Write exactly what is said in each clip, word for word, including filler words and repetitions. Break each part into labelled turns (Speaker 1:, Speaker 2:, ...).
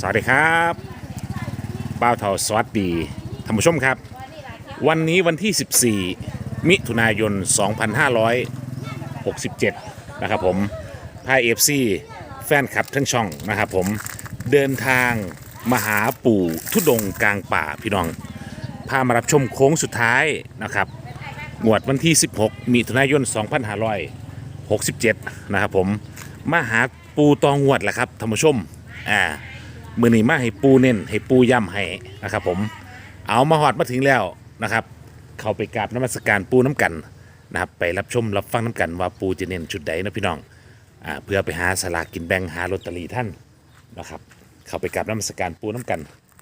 Speaker 1: สวัสดีครับบ้าวเทาสวัสดีท่านผู้ชมครับวันนี้วันที่ สิบสี่ มิถุนายน สองพันห้าร้อยหกสิบเจ็ด นะครับผมพายเอฟซีแฟนคลับทั้งช่องนะครับผมเดินทางมาหาปู่ทุดงค์กลางป่าพี่น้องพามารับชมโค้งสุดท้ายนะครับงวดวันที่ สิบหก มิถุนายน สองพันห้าร้อยหกสิบเจ็ด นะครับผมมาหาปูตองงวดแหละครับท่านผู้ชมอ่ามือนี้มาให้ปูเน้นให้ปูย่ำให้นะครับผมเอามาหอดมาถึงแล้วนะครับเข้าไปกราบนมัสการปูน้ำกันนะครับไปรับชมรับฟังน้ำกันว่าปูจะเน้นชุดใดนะพี่น้องอ่าเพื่อไปหาสลากกินแบ่งหาลอตเตอรี่ท่านนะครับเข้าไปกราบนมัสการปูน้ำกัน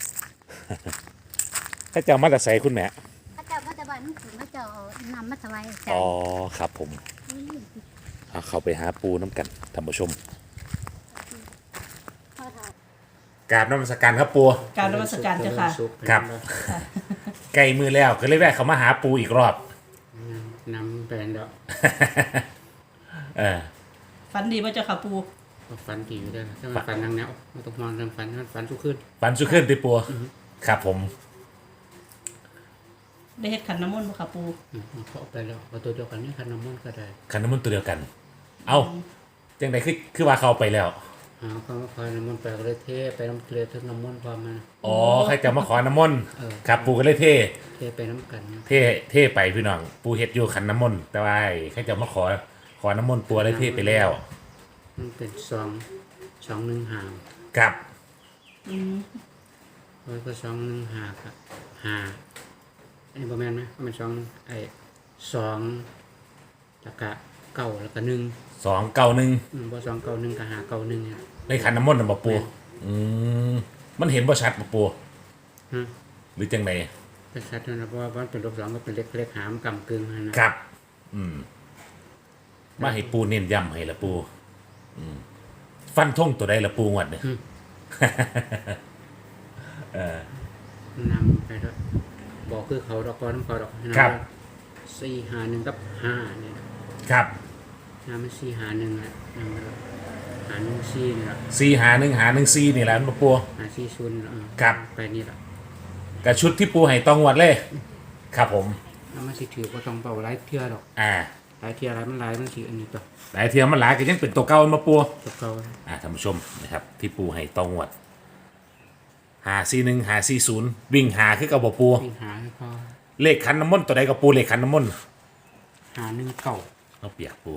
Speaker 1: ถ้าเจ้ามาแต่ใส่คุณแม่
Speaker 2: พระเจ้าพระเจ้าบ้านถึงพระเจ้านำมาถวายอาจาร
Speaker 1: อ๋อ
Speaker 2: ย์
Speaker 1: ครับผมเอาเข้าไปหาปูน้ำกันท่านผู้ชม
Speaker 2: พ่อเฒ่าก
Speaker 1: ราบนมัสการครับปู
Speaker 3: การนมัสการเจ้าค่ะ
Speaker 1: ครับใกล้มือแล้วก็เลยแวะเขามาหาปูอีกรอบ
Speaker 4: นำแปลนแล้ว
Speaker 1: เออ
Speaker 3: ฝันดีว่าเจ้าค่ะปู
Speaker 4: ก็ฝันดีอยู่ได้ถ้ามันฝันทางแนวมันต้องมองเรื่องฝันมันฝันทุกคืน
Speaker 1: ฟันสุขึ้นติปูครับผม
Speaker 3: ได้เฮ็ดขันน้ำมนต์บ่ค่ะปู
Speaker 4: อืมเขาเอาไปแล้วเอาตัวเดียวกันนี่คันน้ำมันต์ก็ได้
Speaker 1: คันน้ำมันต์ตัวเดียวกัน เอาจังไดคือคือว่าเขาไปแล้ว
Speaker 4: หาเขาคอยน้ำมันต์ไปก็เลยเทไปน้ำเกลือทั้งน้ำมันต์ความมัน
Speaker 1: อ๋อใครจะมาขอน้ำมนต์
Speaker 4: เออ
Speaker 1: ครับปูก็เลยเท่
Speaker 4: เทไปน้ำกันนะ
Speaker 1: เท่เท่ไปพี่น้องปูเฮ็ดอยู่ขันน้ำมนต์แต่ว่าใครจะมาขอขอน้ำมนต์ปูเลยเท่ไปแล้ว
Speaker 4: มันเป็นสองสองหนึ่งหาง
Speaker 1: ครับ
Speaker 3: อืม
Speaker 4: แล้วก็สองหนึ่งหาครับหาไอ้ประมาณไหมมันสองไอ้สองแล้วก็เก้าแล้วก็หนึ่ง
Speaker 1: สองเก้าหนึ่ง
Speaker 4: อืมพอสองเก้าหนึ่งก็หาเก้าหนึ่งเนี่ย
Speaker 1: ในขันน้ำมนต์น่ะบ่ปูอืมมันเห็นบ่ชัดบ่ปู
Speaker 4: ฮะ
Speaker 1: หรือจังได
Speaker 4: เป็นชัดนะเพราะว่ามันเป็นลบสองก็เป็นเล็กเล็กหามกำกึ่งนะนะครับ
Speaker 1: อืมมาให้ปูเน้นย้ำให้ละปูอืมฟันทงตัวใดละปูงวดเนี่ย
Speaker 4: นำไปด้วยบอกคือเขาดอกกอน้ำเขาดอกนะครับ สี่หาหนึ่งกับห้าเนี่ย
Speaker 1: ครับ
Speaker 4: น้ำมันสี่หาหนึ่งแหละนำไปด้วยหาหนึ่งสี่นี่แหละ
Speaker 1: สี่หาหนึ่งหาหนึ่งสี่นี่แหละมาปู
Speaker 4: หาสี่ศูนย์เออ
Speaker 1: ครับ
Speaker 4: ไปนี่แหละ
Speaker 1: กับชุดที่ปูให้ตองงวดเลย ครับผม
Speaker 4: น้ำมันสิถือว่าต้องเป่าไล่เที่ยดอก
Speaker 1: อ่า
Speaker 4: ไล่เที่ยไล่มันไล่มันสิอันนี้ตัว
Speaker 1: หลายเทียมมันหลายก็ยังเป็นตัวเก่ามาปู
Speaker 4: ตัวเก่า
Speaker 1: อ่าท่านผู้ชมนะครับ ที่ปูให้ตองงวดหาสี่หนึ่งหาสี่ศูนย์วิ่งหาคือกับบ่ปู
Speaker 4: วิ่งหาให้พอ
Speaker 1: เลขขันน้ำมนต์ตัวใดกับปูเลขขันน้ำมนต์
Speaker 4: หาหนึ่งเก่า
Speaker 1: เอาเปียกปู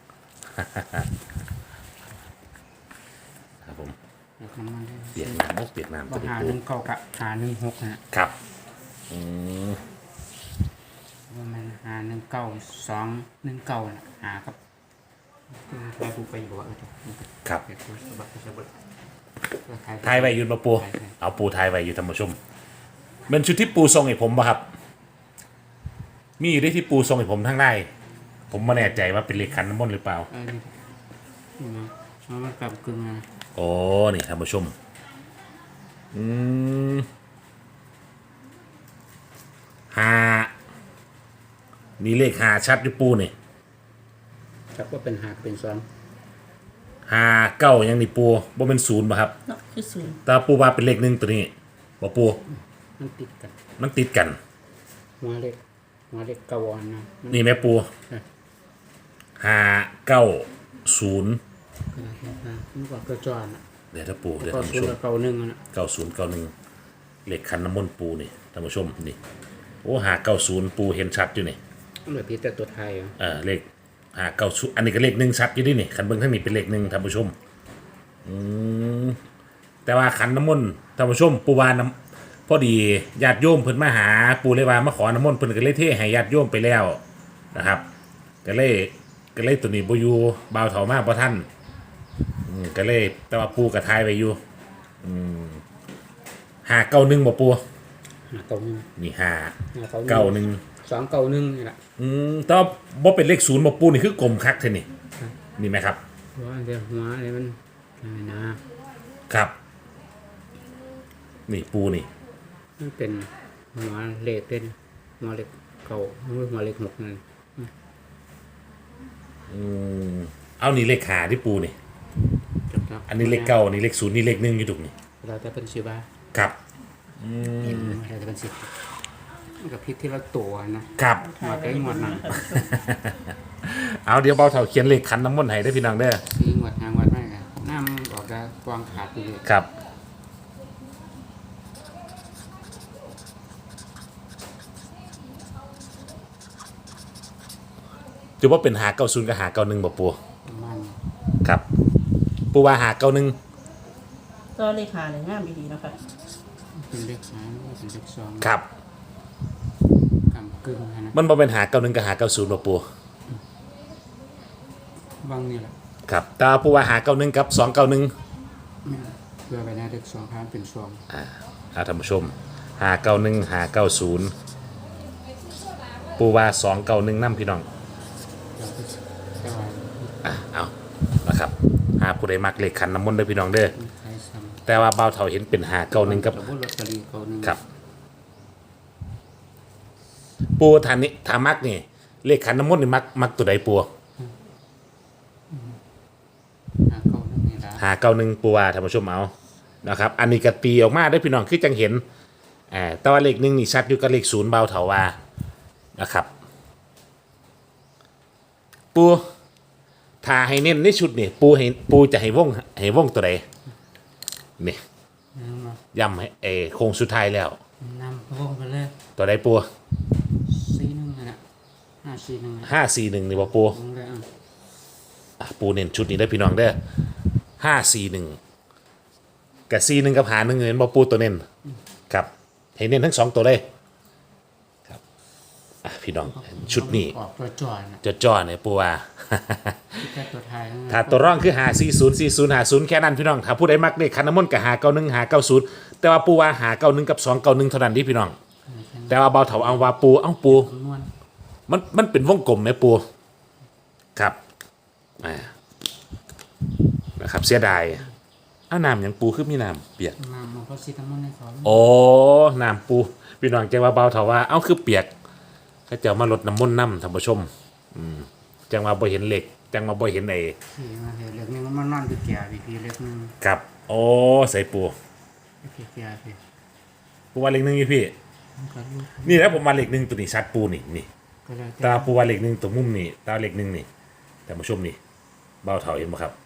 Speaker 1: ครับผม
Speaker 4: แล้วก็มันได้
Speaker 1: เปียกน้ำมุกเปียกน้ำ
Speaker 4: บ่
Speaker 1: ตัวนี้
Speaker 4: หา
Speaker 1: ปู
Speaker 4: หนึ่งเก่ากับหาหนึ่งหกนะครับ
Speaker 1: อืม
Speaker 4: ว่ามันหาหนึ่งเก่าสองหนึ่งเก่าน่ะหากับไปกูไปอยู่ว่าเออ
Speaker 1: ครับ
Speaker 4: เดี๋ยวกูสะบัดสะบัด
Speaker 1: ทายไว้อยืนมาปู
Speaker 4: ถ่ายไว้
Speaker 1: เอาปูทายไว้อยู่ท่านผู้ชมเป็นชุดที่ปูทรงให้ผมป่ะครับ มีอยู่ได้ที่ปูทรงให้ผมทั้งได้ผมไม่แน่ใจว่าเป็นเลขขันน้ำมนต์หรือเปล่า
Speaker 4: เออนี่นี่นะเพราะมันกลับกึ่งนะ
Speaker 1: โอ้นี่ท่านผู้ชมอืมหามีเลขหาชัดอยู่ปูนี่
Speaker 4: ครับว่าเป็นหากเป็นสอง
Speaker 1: หาเก้ายังนี่ปูบ่เป็นศูนย์ป่ะครับ
Speaker 3: เนาะคือศูนย์
Speaker 1: แต่ปูว่าเป็นเลขหนึ่งตัวนี้บ่ปู
Speaker 4: มันติดกัน
Speaker 1: มันติดกัน
Speaker 4: หัวเล็กหัวเล็กกระวอนนะมัน
Speaker 1: นี่แม่ปู
Speaker 4: เออ
Speaker 1: หาเก้าศูนย์
Speaker 4: ขนาดนี้นะมันกว่าเกระจอนอ่ะ
Speaker 1: เดี๋ยวถ้าปูเดี๋ยว
Speaker 4: ก็
Speaker 1: ท่าน
Speaker 4: สู
Speaker 1: ผู้
Speaker 4: ง
Speaker 1: ชม
Speaker 4: กับเก่าหนึ่งอะนะ
Speaker 1: เก้าศูนย์เก้าหนึ่งเลขคันน้ำมนต์ปูนี่ท่านผู้ชมนี่โอ้หาเก้าศูนย์ปูเห็นชัดอยู่นี่
Speaker 4: เหลือพี่แต่ตัวไทยอ่ะ
Speaker 1: เออเลขหาเก้าศูนย์อันนี้ก็เลขหนึ่งชัดอยู่ดินี่คันเบิ้งท่านนี้เป็นเลขหนึ่งท่านผู้ชมอืมแต่ว่าขันน้ำมนต์ท่านผู้ชมปูวาน้ำพอดีญาติโยมเพิ่นมาหาปูเลยว่ามาขอน้ำมนต์เพิ่นก็เลยเทให้ญาติโยมไปแล้วนะครับก็เลยก็เลยตัวนี้บ่อยู่บ่าวเฒ่ามาบ่ท่านอืมก็เลยแต่ว่าปูกับทายไว้อยู่อืมหาเก้าหนึ่งบ่ปู
Speaker 4: หาเก่าหนึ่ง
Speaker 1: นี่ห้า
Speaker 4: หาเก่า
Speaker 1: เก้าหนึ่ง
Speaker 4: สองเก่าหนึ่งนี่แหละ
Speaker 1: อืมแต่ว่าบ่เป็นเลขศูนย์บ่ปูนี่คือกลมคักเท่านี่นี่ไหมครับ
Speaker 4: เพราะว่าเดี๋ยวหัวอะไรมันอะไรนะครับ
Speaker 1: นี่ปูนี่
Speaker 4: มันเป็นหัวเล็กเป็นหัวเล็กเก่าหัวเล็กหกนั่น
Speaker 1: อืมเอานี่เลขหาที่ปูนี่
Speaker 4: ครับ
Speaker 1: อันนี้เลขเก้าอันนี้เลขศูนย์นี่เลขหนึ่งอยู่ตรงนี้
Speaker 4: รเราแต่เป็นสิว่า
Speaker 1: ครับอื
Speaker 4: เห็น
Speaker 1: ม
Speaker 4: เราแต่เป็นสิมันกับพริกที่เราตัวนะครับ หมดได้หมดนะ
Speaker 1: เอาเดี๋ยวเบาเท่าเขียนเลขขันน้ำมนต์ให้ได้อพี่น้องเด้อ
Speaker 4: ซีหมดหางวัดไม่กันน้ำออกได้กวางขาดไปเลย
Speaker 1: ครับจะว่าเป็นหาเก้าศูนย์กับหาเก้าหนึ่งบ่ปู
Speaker 4: ประมาณ
Speaker 1: ครับปูว่าหาเก้าหนึ่ง
Speaker 3: ก็เลขาเลยงามดีๆเนาะคะ
Speaker 4: เป็นเลขหางเป็นเลขสอง
Speaker 1: ครับ
Speaker 4: กำกึ่งนะ
Speaker 1: มันบ่เป็นหาเก้าหนึ่งกับหาเก้าศูนย์บ่ปู
Speaker 4: บางนี่แหละ
Speaker 1: ครับแต่ว่าปูว่าหาเก้าหนึ่งกับสองเก้าหนึ่ง
Speaker 4: เพื่อไปในเลขสองพานเป็นสอง
Speaker 1: อ่าเอาท่านผู้ชมหาเก้าหนึ่งหาเก้าศูนย์ปูว่าสองเก้าหนึ่งน้ำพี่น้อง
Speaker 4: เราก็แต่ว่า
Speaker 1: อ่ะเอานะครับหาผู้ใดมักเลขขันน้ำมนต์เด้อพี่น้องเด้อ
Speaker 4: ใช้ซ้ำ
Speaker 1: แต่ว่าเบาเท่าเห็นเป็นหาเก้าหนึ่งกับ
Speaker 4: สมมติลอตเตอรี่เขาหนึ่ง
Speaker 1: ครับ ปูทานนี้ทามักนี่เลขขันน้ำมนต์นี่มักมักตัวใดปู
Speaker 4: หาเขาหนึ่งนี่ละ
Speaker 1: หาเก้าหนึ่งปูว่าท่านผู้ชมเอานะครับ อันนี้กัดปีออกมาได้อพี่น้องคือจังเห็นอ่าแต่ว่าเลขหนึ่งนี่ชัดอยู่กับเลขศูนย์เบาเถาว่านะครับ ปูถ้าให้เน้นในชุดนี่ปูให้ปูจะให้วงให้วงตัวใดนี่
Speaker 4: น้ำมา
Speaker 1: ย้ำให้เออโค้งสุดท้ายแล้ว
Speaker 4: น้ำวงไปเลย
Speaker 1: ตัวใดปู
Speaker 4: ซีหนึ่งนะห้าซีหนึ่งนะ
Speaker 1: ห้าสี่หนึ่งนี่บ่ปู
Speaker 4: วงเลยอ่ะ
Speaker 1: อ่ะปูเน้นชุดนี้ได้อพี่น้องเด้อห้าสี่หนึ่งกับสี่หนึ่งกับหาหนึ่งเงินบ่ปูตัวเน้นครับให้เน้นทั้งสองตัวเลยครับอ่ะพี่น้องชุดนี้
Speaker 4: ออกตัวจอดนะ
Speaker 1: จะจ่อเนี่ยปูว่า
Speaker 4: แค่ตัวไทยนะ
Speaker 1: ถ้าตัวร่องคือหาสี่ศูนย์สี่ศูนย์หาศูนย์แค่นั้นพี่น้องถ้าผู้ใดมักเลขคันน้ำมนต์กับหาเก้าหนึ่งหาเก้าศูนย์แต่ว่าปูว่าหาเก้าหนึ่งกับสองเก้าหนึ่งเท่านั้นที่พี่น้อง แต่ว่าเบาเถาเอาว่าปูเอ้าปู
Speaker 4: คำนวณ
Speaker 1: มันมันเป็นวงกลมไหมปูครับอ่านะครับเสียดายอ้าวน้ำอย่างปูคือมีน้ำเปียก
Speaker 4: มามันก็ซีทั้งหมดในเขา
Speaker 1: โอ้น้ำปูพี่น้องแจ้งว่าเบาเถาว่าเอ้าคือเปียกเขาจะเอามาลดน้ำมนต์น้ำท่านผู้ชมอืมจังว่าบ่เห็นเหล็กจังว่าบ่เห็นไอ้
Speaker 4: ที่มาเห็นเล็กนี่มันมานอนอยู่แก่พี่พี่เล็กนึง
Speaker 1: ครับโอ้ใส่ปู
Speaker 4: พี่แก่พี่
Speaker 1: ปูว่าเหล็กหนึ่งอยู่พี่
Speaker 4: มันก็ลูก
Speaker 1: นี่แล้วผมมาเหล็กหนึ่งตัวนี้ชัดปูนี่นี่
Speaker 4: ก็เลย
Speaker 1: ตาปูว่าเหล็กหนึ่งตัวมุมนี่ตาเหล็กหนึ่งนี่ท่านผู้ชมนี่เบาเถาเห็นไหมครับ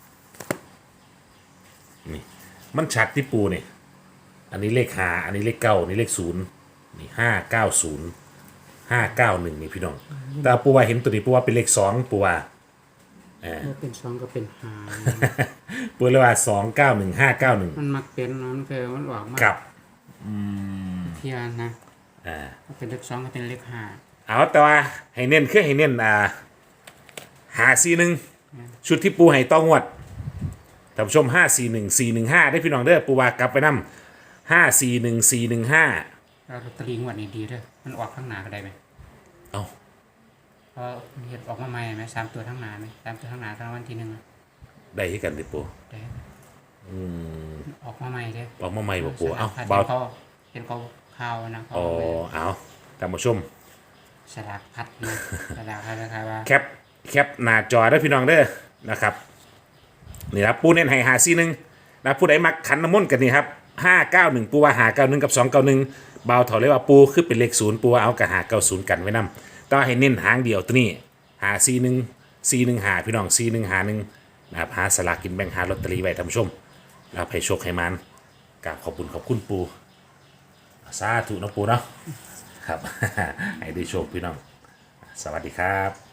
Speaker 1: นี่มันชัดที่ปูนี่อันนี้เลขห้าอันนี้เลขเก้าอันนี้เลขศูนย์นี่ห้าเก้าศูนย์ห้าเก้าหนึ่งนี่พี่น้องแตาปูว่าเห็นตัวนี้ปูว่าเป็นเลขสองปูว่า
Speaker 4: ถ้าเป็นสองก็เป็นหา
Speaker 1: ปูเลยว่าสองเก้าหนึ่งห้าเก้าหนึ่ง
Speaker 4: มันมักเป็นนะมันเคยมันออกมา
Speaker 1: กับ
Speaker 4: เทียนนะ
Speaker 1: อ่า
Speaker 4: ถ้าเป็นเลขสองก็เป็นเลขห้า
Speaker 1: เอาแต่ว่าให้เน้นคือให้เน้นอ่าหาซีหนึ่งชุดที่ปูให้ต้องงวดท่านผู้ชมห้าสี่หนึ่งสี่หนึ่งห้าได้พี่น้องเด้อปูว่ากลับไปนำห้าสี่หนึ่งสี่หนึ่งห้า
Speaker 4: แล้วลอตเตอรี่งวดนี้ดีเด้อมันออกข้างหน้าก็ได้ไหม
Speaker 1: เอา
Speaker 4: เพราะเห็ดออกมาใหม่ไหมสามตัวข้างหน้าไหมสามตัวข้างหน้าตอนวันที่หนึ่งอะ
Speaker 1: ได้ให้กันดิปู
Speaker 4: เด้อออกมาใหม่เด้อ
Speaker 1: ออกมาใหม่บ่ปูเอา
Speaker 4: สลก
Speaker 1: เบา
Speaker 4: พัดเขาเห็นเขาข่าวนะเขา
Speaker 1: อ๋อ
Speaker 4: เอาไว้
Speaker 1: เอาท่านผู้ชม
Speaker 4: สลากพัดนะสลากพัดนะครับว่า
Speaker 1: แคปแคปหน้าจอได้อพี่น้องเด้อนะครับนี่ครับปูเน้นให้หาซีหนึ่งนะผู้ใดมักขันน้ำมนต์กันนี่ครับห้าเก้าหนึ่งปูว่าหาเก้าหนึ่งกับสองเก้าหนึ่งเบาเถาเลยว่าปูคือเป็นเลขศูนย์ปูว่าเอากับหาเก้าศูนย์กันไว้นำต้องให้เน้นหางเดียวตัวนี้หาซีหนึ่งซีหนึ่งหาพี่น้องซีหนึ่งหาหนึ่งนะครับหาสลากกินแบ่งหาลอตเตอรี่ไว้ท่านผู้ชมนะครับให้โชคให้มันกราบขอบคุณขอบคุณปูสาธุนะปูเนาะครับ ให้ได้โชคพี่น้องสวัสดีครับ